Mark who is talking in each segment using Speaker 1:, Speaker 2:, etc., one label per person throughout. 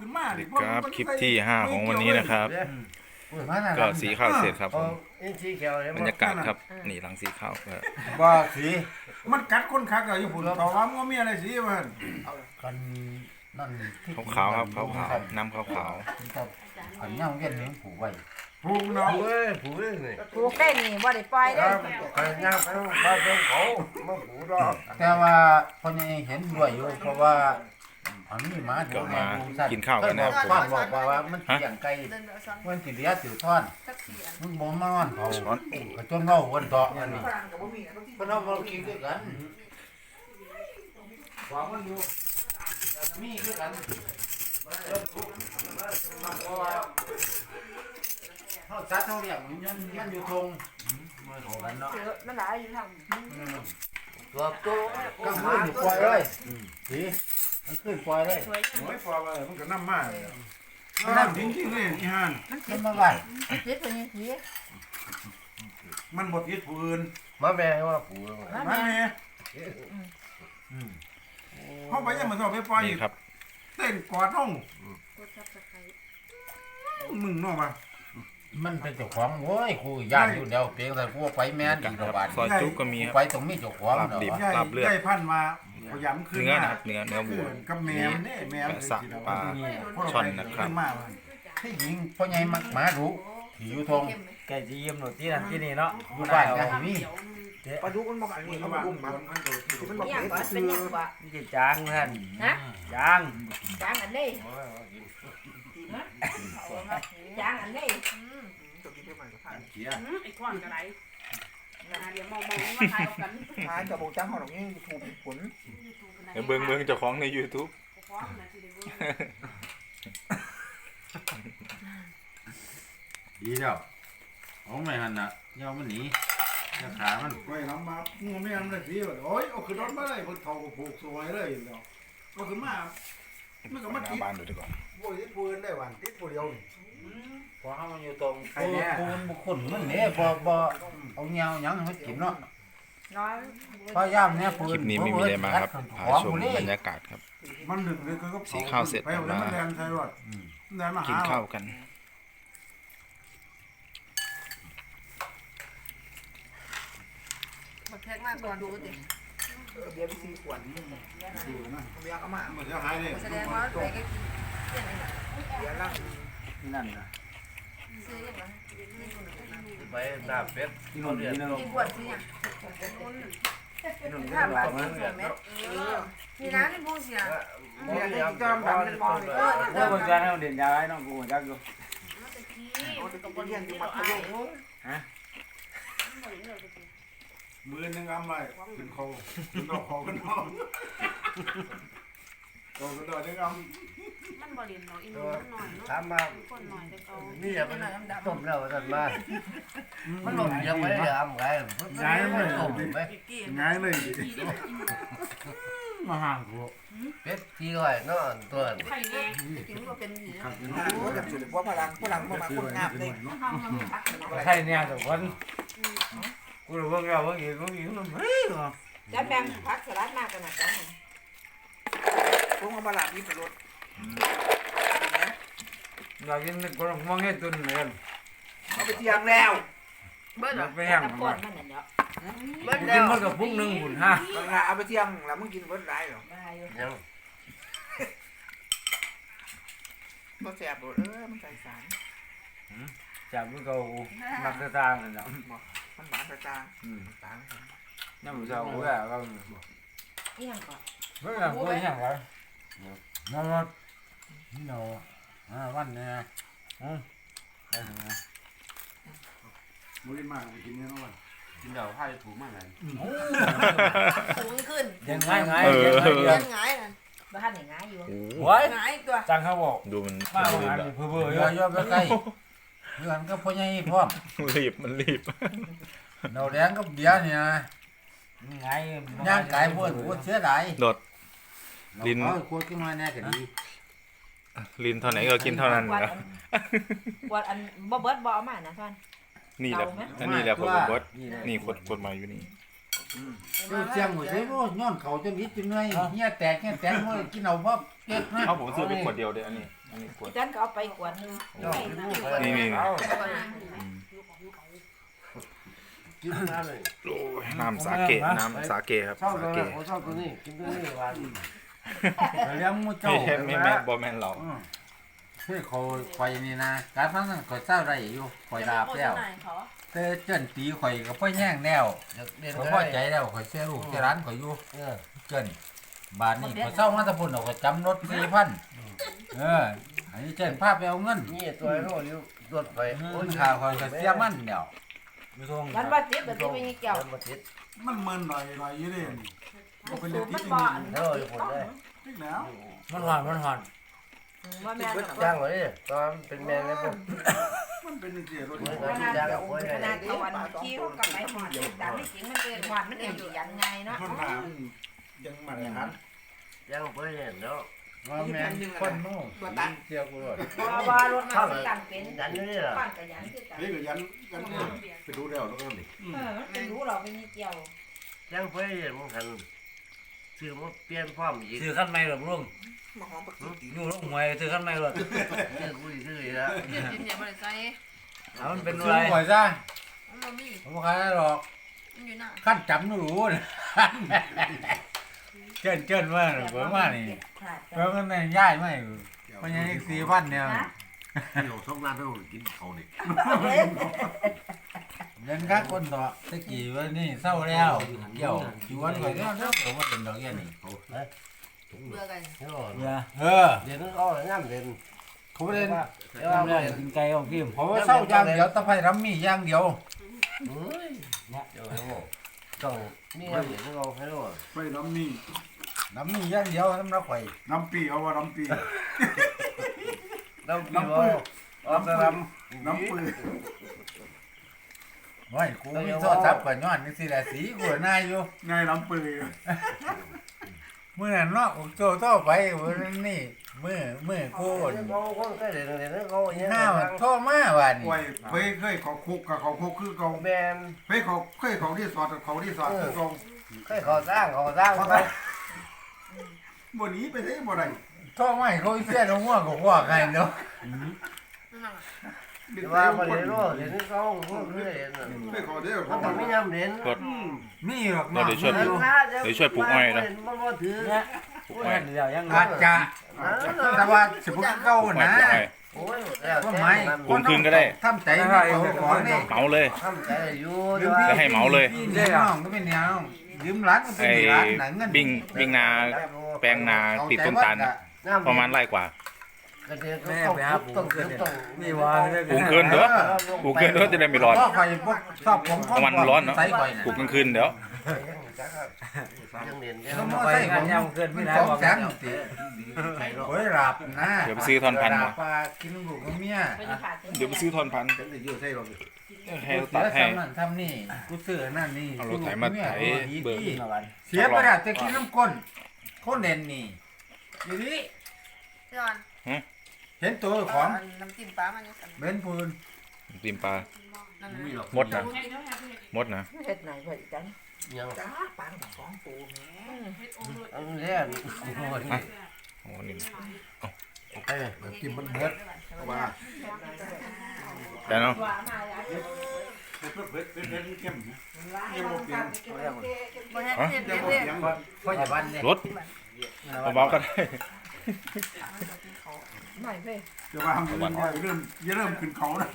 Speaker 1: ขึ้นมาดิ
Speaker 2: ครับคลิปที่5ของวันนี้นะครับก็สีข้าวเสร็จครับผมบรรยากาศครับนี่หลังสีข้าวก็
Speaker 3: ว่าสี
Speaker 1: มันกัดคนคักอะญี่ปุ่นเขาว่ามันมีอะไรสีมัน
Speaker 3: กันนั่นที่
Speaker 2: ขาวๆครับขาวๆน้ำขาว
Speaker 3: ครับอันนี้เอาเงี้ยเลี้ยงผูกไว้
Speaker 1: ผูกเนาะ
Speaker 4: ผูกได้นี่
Speaker 5: ปลูกได้นี่บ่ได้ปล่อย
Speaker 4: ค
Speaker 5: ได้
Speaker 4: รับใครย่างไปบ้านเจ้าเขามาผูกดอก
Speaker 3: แต่ว่าพ่อใหญ่เห็นด้วยอยู่เพราะว่าอันนี้มา
Speaker 2: ๆก็มากินข้าวกันนะครับผม
Speaker 3: พ่อบอกว่ามันเสียงไก่มันสิเลี้ยสิทอนมึงบ่มานอนเขาก็จนเว้าวนต่ออันนี้เพิ่นเอามากินด้วยกันว่ามันอยู่มีด้วยกันเฮาจัดเฮาเรียกมันอยู่ทงมันของกันเนาะ
Speaker 5: มันหลายอยู่ทาง
Speaker 3: ตัวก็ขึ้นอยู่ปล่อยเลยสิมันขึ้นปล่อยเลย
Speaker 1: โอ้ยพอว่ามันก็น้ำมากน้ำจริงๆเลยอีห่าน
Speaker 3: มันมาไว้
Speaker 5: เจ็ดตัวนี้สิ
Speaker 1: มันบดยึดผู้อื่น
Speaker 4: มาแม่ให้ว่าผูก
Speaker 1: มันแม่เขาไปยังมาสอบไปปล่อย
Speaker 2: นี่ครับ
Speaker 1: เต้นกอดห้องมึงนอกมา
Speaker 3: มันเป็นเจ้าของโว้ยครูย่านอยู่เดียวเพียงแต่กูไปแม่นอีกระบาด
Speaker 2: ซอยจุ๊กก็มีครับ
Speaker 3: ไปตรงนี้เจ้าของ
Speaker 2: ลาบดิบ
Speaker 3: เนาะ
Speaker 1: ใหญ่
Speaker 2: ลาบเลือด
Speaker 1: ใหญ่พันมาพยายามขึ้น
Speaker 2: เนื้อ
Speaker 1: มา
Speaker 2: นะครับเนื้อวัว
Speaker 1: กับแมวเนี่ยแมว
Speaker 2: แปะสะปลาช่อนนะครับ
Speaker 3: ที่หญิงพ่อใหญ่มักหมาดุที่อยู่ทง
Speaker 6: ไก่จีมหนูที่นั่นที่นี่เนาะ
Speaker 3: อยู่บ้านก็ให้มี
Speaker 4: ปลาดุกมันบอกอันนี้เขามาอุ้มมันมันบอก
Speaker 5: อย่าง
Speaker 4: เด็
Speaker 5: ก่อนเป็นอย่างกว่า
Speaker 6: นี่จะจางท่าน
Speaker 5: ฮะ
Speaker 6: จาง
Speaker 5: จางอันนี้จางอันนี้
Speaker 7: ไอ้ขวานกระไรเดี๋ยวมองว่าทายกัน
Speaker 4: ทายจะบอกจ้างเขาตรงนี้ถูกผล
Speaker 2: เดี๋ยวเบิ่งเจ้าของใน YouTube
Speaker 3: ดีแล้วเอาไม่หันน่ะยอมมันหนีจะขามัน
Speaker 1: ไปลำมางูไม่ทำได้สิโอ้ยเอาขึ้นรถมาเลยคนเฒ่าผูกสวยเลยเนาะก็ขึ้นมามันก็มา
Speaker 2: หน้า
Speaker 1: ติด
Speaker 2: บ้านดูดีกว่า
Speaker 1: บ่ยึดผู้อื่นได้หวันติดผู้เดียวนี่
Speaker 3: พอเฮามันอยู่ตรงปูนบุคคลมันเนี่ยบ่เอาเงาหยังให้มันกินเนาะ
Speaker 5: น้อย
Speaker 3: พยายามเนี่ยปืน
Speaker 2: คลิปนี้ไม่มีอะไรมากครับพาชมบรรยากาศครับ
Speaker 1: มันดึกเลยก็
Speaker 2: สีข้าวเสร็จ
Speaker 1: ไปเอาแล้วมันแดงใช่รถแดงมาหา
Speaker 2: กินข้าวกัน
Speaker 5: บักแทกมากก่อนดูดิ
Speaker 4: เดี๋ยว4ขวด
Speaker 1: ดูนะ
Speaker 4: เมียเอามา
Speaker 1: มันจะหายเลย
Speaker 5: แสดงว่าไปก็เปลี่ยนอะไร
Speaker 4: เดี๋ยวล่าง
Speaker 6: นั่นนะ
Speaker 5: ซื้ออย่างไร
Speaker 4: ไปหน้าเป็ด
Speaker 6: ที่นู่นที่นั่น
Speaker 5: กินบวชซื้ออย่าง
Speaker 6: ที่นู่น
Speaker 5: ถ้าบาทกินส่วนเม็ดมีน้ำในผู้เสีย
Speaker 4: เมียเลี้ยงจอมดันเป็นบอลเลย
Speaker 6: ถ้าคนจะให้เด่นยาไอ้น้องกูจักอยู่
Speaker 4: ก็เลี้ยงอยู่มัธยม
Speaker 1: มือนึงกำไรขึ้นคอขึ้นดอกคอขึ้นน้องโตขึ้นดอกนึงกำ
Speaker 7: มันบริเวณเนาะอีนุ่มหน่อยเนาะ
Speaker 4: ถามมา
Speaker 7: คนหน่อยแต่เขา
Speaker 4: นี่อย่ามันต้มแล้วท่านมามันหล่นยังไม่ได้ทำไงต้มไหม
Speaker 1: ง่ายเลย
Speaker 3: มาห่างกู
Speaker 4: เป็ดที่ร้อยนอนตัว
Speaker 7: ไข่แดง
Speaker 5: กินก็เป็นสี
Speaker 4: โอ้กับจุดว่าพลังมาคนงามเลย
Speaker 6: ใช่เนี่ยทุกคนกูรู้ว่าเราว่าอย่างนี้มันเฮ้ย
Speaker 5: จะแบ่งผักสลัดมากกันนะจ๊ะ
Speaker 4: พวกมาลาพี่ไปรถ
Speaker 6: เรากินก็มองเห็นตุนเหมือนกัน
Speaker 4: เขาไปเที่ยงแล้ว
Speaker 5: เบิ้ล
Speaker 6: ไปแห้ง
Speaker 5: ตะ
Speaker 6: มัน
Speaker 5: ปอนมันน่ะเนาะ
Speaker 4: เบิ้ล
Speaker 6: กิ
Speaker 4: แล้
Speaker 6: น
Speaker 4: ว
Speaker 6: มันกับพุ่งหนึ่งหุ่นห้า
Speaker 4: เอาไปเที่ยงแล้วมึงกินเบิ้ลได้หรอ
Speaker 5: ได้อยู่
Speaker 4: ยังก็แสบหมดมันใส่สาร
Speaker 6: จับมันก็มักจะตางกันเนาะ
Speaker 4: มันหวานตาตา
Speaker 6: นี่มันจะกูอะก็
Speaker 5: อีหยังก่อน
Speaker 6: ไม่ใช่กูยังไง
Speaker 3: นั่นนี่เนาะวันเนี่ย
Speaker 1: มือมากกินเนี่ยน้องวัน
Speaker 4: กินเดี๋ยวให้ถูกมากเลย
Speaker 5: สูงขึ้น
Speaker 6: ยังไงไง
Speaker 5: เลี้ยงง่ายนั่นบ้านนี่ง่ายอยู่
Speaker 6: โว้ย
Speaker 5: ง่ายตัว
Speaker 6: จังเขาบอก
Speaker 2: ดูมัน
Speaker 6: มา
Speaker 2: รีบ
Speaker 6: หา
Speaker 2: แล้ว
Speaker 6: เพื่อเพื่อ
Speaker 3: เยอะๆไปใกล้เพื่อนก็พ่อใหญ่พร้อม
Speaker 2: มันรีบ
Speaker 3: เราแดงก็เบียร์เนี่ย
Speaker 6: ไง
Speaker 3: ย่างไก่พวกเสียดาย
Speaker 2: โดด ลิ้น
Speaker 3: ควรขึ้นมาแน่ก็ดี
Speaker 2: ลินเท่าไหนก็กินเท่านั้น
Speaker 5: วัด
Speaker 2: นะ
Speaker 5: วัดอันบ่เบิดบ่เอามานะท่าน
Speaker 2: นี่แหละอันนี้แหละคนบดนี่คนมาอยู่นี่
Speaker 3: เสียงหัวใจว่าย้อนเขาจนนิดจนเหนื่อยเงี้ยแตกว่ากินเอาเพราะ
Speaker 2: เอาผมซื้อไปขวดเดียวเด้ออันนี้ขวด
Speaker 7: จันก็เอาไปกวดนึง
Speaker 2: นี่
Speaker 6: เอา
Speaker 4: กินน้ำเลย
Speaker 2: โอ้ยน้ำสาเกครับ
Speaker 4: ชอบ
Speaker 2: สา
Speaker 4: ตัว
Speaker 2: เก
Speaker 4: นี้ชอบตัวนี้กินตัวนี้หวาน
Speaker 3: เลี้ยงมูเจ้า
Speaker 2: ไม่แม่บอแมนเรา
Speaker 3: คือเขาข่อยนี่นะการพังนั้นข่อยเศร้าได้อยู่ข่อยดาบแล้วแต่เจิ้นตีข่อยก็พ่อแย่งแล้ว
Speaker 4: เรียน
Speaker 3: ข่อย
Speaker 4: ก็
Speaker 3: พ่อ
Speaker 4: ได้
Speaker 3: ใจแล้วข่อยเสียลูกเสียร้านข่อยอยู่
Speaker 4: Ờ.
Speaker 3: เจิ้นบาทนี่ข่อยเศร้ามาแตะพุ่นเอาข่อยจำรถ4,000อันนี้เจิ้นพาไปเอาเงิน
Speaker 4: นี่ตัวไอ้โน่อยู่ตรวจไป
Speaker 3: โอ้ยข่าวข่อยก็เสียมันเดียว
Speaker 7: มันบ่ติดแบบนี้ไม่เกี่ยว
Speaker 4: มาติด
Speaker 1: มันเมินหน่อยอยู่ดิก็เป็น
Speaker 7: สู
Speaker 1: เรื่อบ ง
Speaker 7: มั
Speaker 1: ที่
Speaker 7: น
Speaker 1: จริง
Speaker 7: บ่
Speaker 4: เท่าอยู่คนได้
Speaker 1: จริงแล้ว
Speaker 6: มันหอน
Speaker 7: ว่าแม่
Speaker 4: จ้างไว้ตอนเป็นแมงเลยพวก
Speaker 1: มันเป็นเสียรถ
Speaker 7: ขนาดเอาขนาดตะวันขี้เขากับไปหอดแต่ไม่จริงมันเป็นหวานมันเองอยู่ยันไงเนาะ
Speaker 1: คนถามยังมาเลยครับ
Speaker 4: จ้างไปเนี่ยเนาะ
Speaker 3: ว่าแม่นคนโน่เสียกูรถ
Speaker 7: ว่ารถมันต่างเป็น
Speaker 4: ดันอยู่นี่แหละ
Speaker 7: บ้านกับยันคือกัน
Speaker 1: เฮ้ยก็ยันไปดูแล้วแล้วก็นี่
Speaker 7: มันเป็นรู้เราเป็นเกี่ยว
Speaker 4: จ้างไปเนี่ยมึงทันซื้อมาเปลี่ยนพร้อมอีก
Speaker 6: ซื้อขั้นใหม่หรอลุงอยู่ลงหวยซื้อขั้นใหม่หรอ
Speaker 4: ซื้อกูอีกซื้ออีกแล้ว
Speaker 5: กินอย่าบ่ได้ใส่
Speaker 6: มันเป็น
Speaker 3: ซื้
Speaker 6: ไร
Speaker 3: อข่อยซะ
Speaker 5: มันมี
Speaker 3: ผมขายหรอก
Speaker 5: มันอยู่น่ะ
Speaker 3: ขั้นจำหนูรู้นะ เจิ้นว่าเบิ่งว่านี่เบิ่งกันย้ายไม่มันยังอีก4,000เนี่ย
Speaker 4: เดี๋ยวช่องร้านต้องกินเขาเนี่ย
Speaker 3: เงินค่าคนต่อตะกี้ว่านี่เศร้าแล้วเกี่ยวอยู่วันก่อนแล้วผมว่าเป็นดอกแค่นี้
Speaker 5: เบื่อกัน
Speaker 6: เรือ
Speaker 4: เดี๋ยวนึกเอาเลยน้ำเด่น
Speaker 3: เขาเล่น
Speaker 4: เดี๋ยวเอาไป
Speaker 6: กินไก่ของพี่
Speaker 3: เขาเศร้าอย่างเดียวตะไคร้รำมีอย่างเดียว
Speaker 4: เฮ้ยเดี๋ยวให้โม่ต้องนี่น้ำเด่นต้องเอาให้โม่
Speaker 1: ไปน้ำนี่
Speaker 3: รำมีอย่างเดียวน้ำรักไข่
Speaker 1: น้ำปีเอาว่าน้ำปี
Speaker 4: น้ำปีบอเอาไปรำ
Speaker 1: น้ำปืน
Speaker 3: ไว้กูมีโทษทับก่อนย้อนนี่สิแหละสีกูนายอยู่
Speaker 1: ง่ายน้ำปืน
Speaker 3: เมื่อนั้นเนาะโตไปวันนี้มือกู
Speaker 4: เขาคนใกล้เด่นเด่นเขาอย่าง
Speaker 3: ห้าวโทษมาวันนี้
Speaker 1: ไว้เคยเขาคุกกับเขาคุกคือเขา
Speaker 4: แมน
Speaker 1: เคยเขาที่สอดเขาที่สอดคือเขา
Speaker 4: เคยเขาสร้างเขาไป
Speaker 1: บ่หนีไปได้บ่ได้
Speaker 3: โทษไม่เขาเสียลงหัวกับหัวใครเนาะ
Speaker 4: ว่าประเดี๋ยวเด่นเขาพูดเรื่อยเด่น
Speaker 1: เคยเขาเด้อ
Speaker 4: มั
Speaker 1: เขา
Speaker 4: นไม่ย้ำเด่น
Speaker 3: มีหรอก
Speaker 2: เราเดี๋ยวช่วยปลูกอ้อยนะ
Speaker 4: มันว่าถือ
Speaker 2: ปลูกอ้อย
Speaker 6: เดี๋ยวยัง
Speaker 3: อาจจะแต่ว่าสิบุกเก้า
Speaker 2: ปลูก
Speaker 3: นะ
Speaker 2: อ้อย
Speaker 4: โอ้ยแล้ว
Speaker 3: ต้นไม้
Speaker 2: ปลูกคืนก็ได้
Speaker 3: ทำใจเขาของนี่
Speaker 2: เหมาเลย
Speaker 4: ทำใจอยู่
Speaker 2: จะให้เหมาเลย
Speaker 3: พี่น้องก็เป็นแนวยืมร้านก็เป็น
Speaker 2: ไอ้
Speaker 3: ร้านหนังเงิน
Speaker 2: บิ่งนาแปลงนาติดต้นตาลน่ะประมาณไร่กว่า
Speaker 6: แม่ไปหาปลูกขึ้นนี่ว่า
Speaker 2: ปลูกคืนเด้อปลูกคืนเด้อจะได้ไม่ร้อน
Speaker 3: ก็คอยพวกชอบผม
Speaker 2: ประมาณร้อนเนาะ
Speaker 3: ใส่ก่อย
Speaker 2: ปลูกกลางคืนเดี๋ยว
Speaker 4: ยังเด่น
Speaker 3: ก็
Speaker 4: ยัง
Speaker 3: มาใส่ผม
Speaker 6: ยังเกินไม่ได้
Speaker 3: สอง
Speaker 6: บอก
Speaker 3: แสนติโอ้ยหลับนะ
Speaker 2: เดี๋ยวไปซื้อท่อนพันธุ์
Speaker 3: หลั
Speaker 2: มา
Speaker 3: บปลากินลูกกับเมีย
Speaker 7: เป็นขาด
Speaker 2: เดี๋ยวไปซื้อท่อนพันธุ์
Speaker 3: อยู่ใส่รถ
Speaker 2: ให้
Speaker 3: เสี
Speaker 2: ตัด
Speaker 3: ย
Speaker 2: ให้
Speaker 3: ทำนั่นทำนี่กูซื้อนั่นนี่
Speaker 2: เอารถไถมาไถเบิก
Speaker 3: เสียไปแล้วจะกินน้ำก้นคนเด่นนี่อยู่นี่
Speaker 5: พี่อน
Speaker 3: เห็นตัวของ
Speaker 5: น้ำจิ้มปลามันยังสั่น
Speaker 3: เบนพูน
Speaker 2: ติมปลา
Speaker 5: นั่น
Speaker 2: มดนะมดนะ
Speaker 7: เฮ็ดไหนเพิ่นจัง
Speaker 4: ยัง
Speaker 7: จ้าปางของปูแม่
Speaker 4: อันนี้
Speaker 2: โอ้นี่
Speaker 3: เอ้ยกินมันเบิดว่า
Speaker 2: แต่เนาะ
Speaker 7: ว่ามาแล้ว
Speaker 1: เผ็ดเข้มนะ
Speaker 5: บ่ให้เฮ็ด
Speaker 1: ยัง
Speaker 5: เฮ็ด
Speaker 1: บ่
Speaker 5: เด้
Speaker 1: ยัง
Speaker 3: พ่ออย่าบ้านเนี่ย
Speaker 2: รถเบาๆก็ได้
Speaker 7: ไม่เว้ย
Speaker 1: จะว่าเริ่มขึ้นเขาแล้ว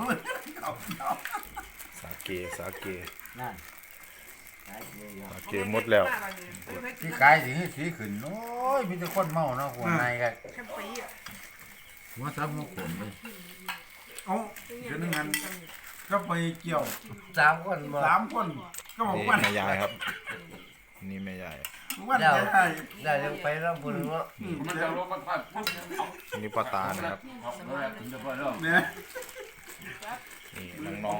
Speaker 2: สาเกสาเก
Speaker 6: นั่น
Speaker 2: สาเกหมดแล้ว
Speaker 3: ที่กายสีขึ้นโอ้ยมีแต่คนเมาเนาะหัวในกัน
Speaker 5: แค่ปีอ่ะ
Speaker 3: หัวซับหัวขมเลย
Speaker 1: เอาเดี๋ยวนึงงั้นก็ไปเกี่ยว
Speaker 4: 3 คนมา
Speaker 1: 3คนก็บอก
Speaker 2: นี่
Speaker 1: ว่า
Speaker 2: แม่ยายครับนี่แม่ยาย
Speaker 1: วันจะได้
Speaker 4: ได้ยังไปแล้วบุญเนาะ
Speaker 1: มันจะลงมาพัด
Speaker 2: นี่ป้าตานะครับ
Speaker 1: เนี่ย
Speaker 2: นี่น้อง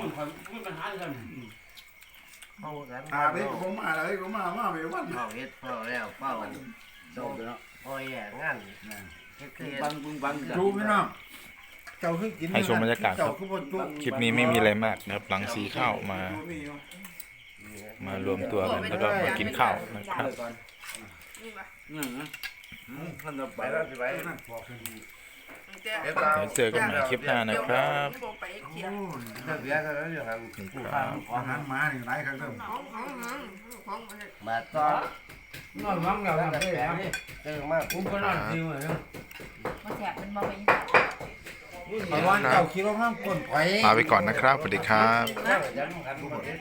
Speaker 4: เอากัน
Speaker 1: ได้ผมมาเลยผมมาไปวัน
Speaker 4: เฝ้าเฮ็ดเฝ้าแล้วเฝ้าส่งโอ้ยงานเฮ็ดคือ
Speaker 3: จูพี่น้องเจ้าคือกิน
Speaker 2: ๆให้ชมบรรยากาศครับคลิปนี้ไม่มีอะไรมากนะครับ หลังสีข้าวมารวมตัวกันแล้วก็มากินข้าวนะครับ
Speaker 5: นี่ป่ะ
Speaker 3: มันจะไปแล้วสิไป
Speaker 1: นั่นบอกกัน
Speaker 2: เดี๋ยวเจอกันใหม่คลิปหน้านะครับ
Speaker 5: ไปเขียน
Speaker 3: เลิกเรียนกันแล้วอย่างนั้น
Speaker 2: นี่
Speaker 1: ผู้
Speaker 2: ครั
Speaker 1: ข้า
Speaker 2: บ
Speaker 1: ของหันมานี่หลายครั้งเริ่ม
Speaker 5: ของ
Speaker 4: มาต่อน
Speaker 6: อนมั่งแล้ว
Speaker 4: แล้ว
Speaker 6: ไม่
Speaker 4: แต่
Speaker 6: ได้
Speaker 4: นี่เจอมาก
Speaker 6: ผมก็นอนจริงเลย
Speaker 7: มาแสบมันบ่ไป
Speaker 3: ไอ้วันเจ้าคิดว่าห้ามก้นไฟ
Speaker 2: ลาไปก่อนนะครับสวัสดีครับ
Speaker 4: แล้วยังกัน